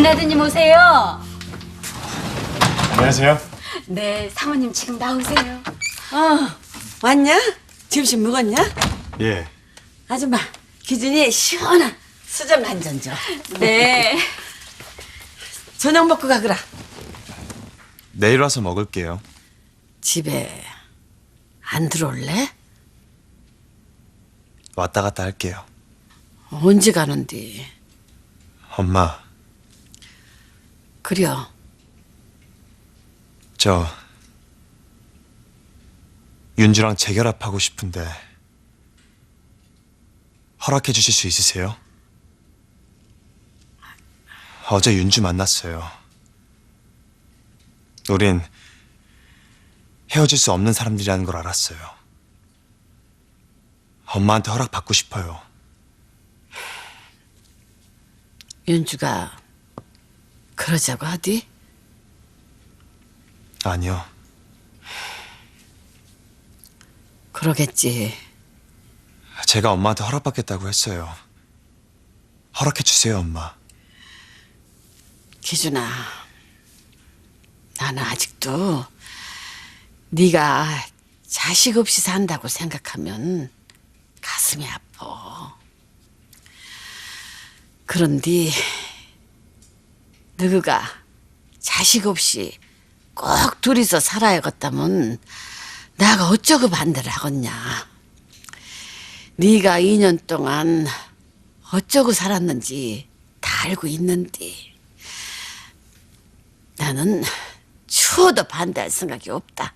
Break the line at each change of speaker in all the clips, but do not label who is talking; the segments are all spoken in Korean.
큰아드님 오세요.
안녕하세요.
네, 사모님 지금 나오세요.
왔냐? 점심 먹었냐?
예.
아줌마, 기준이 시원한 수정 한 잔 줘.
네.
저녁 먹고 가거라.
내일 와서 먹을게요.
집에 안 들어올래?
왔다 갔다 할게요.
언제 가는데?
엄마,
그려.
저 윤주랑 재결합하고 싶은데 허락해 주실 수 있으세요? 어제 윤주 만났어요. 우린 헤어질 수 없는 사람들이라는 걸 알았어요. 엄마한테 허락받고 싶어요.
윤주가 그러자고 하디?
아니요.
그러겠지.
제가 엄마한테 허락받겠다고 했어요. 허락해 주세요, 엄마.
기준아, 나는 아직도 네가 자식 없이 산다고 생각하면 가슴이 아파. 그런데 너가 자식 없이 꼭 둘이서 살아야겠다면 내가 어쩌고 반대를 하겠냐. 네가 2년 동안 어쩌고 살았는지 다 알고 있는데 나는 추워도 반대할 생각이 없다.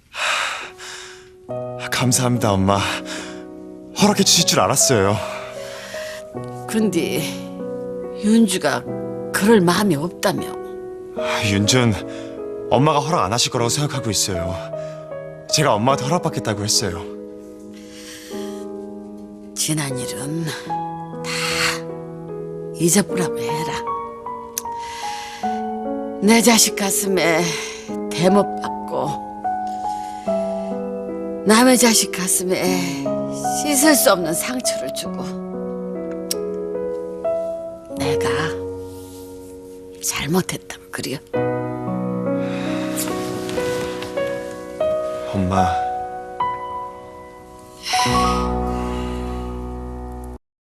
감사합니다, 엄마. 허락해 주실 줄 알았어요.
그런데 윤주가 그럴 마음이 없다며.
윤준, 엄마가 허락 안 하실 거라고 생각하고 있어요. 제가 엄마한테 허락받겠다고 했어요.
지난 일은 다 잊어보라고 해라. 내 자식 가슴에 대못 박고 남의 자식 가슴에 씻을 수 없는 상처를 주고 내가 잘못했다고 그래요.
엄마,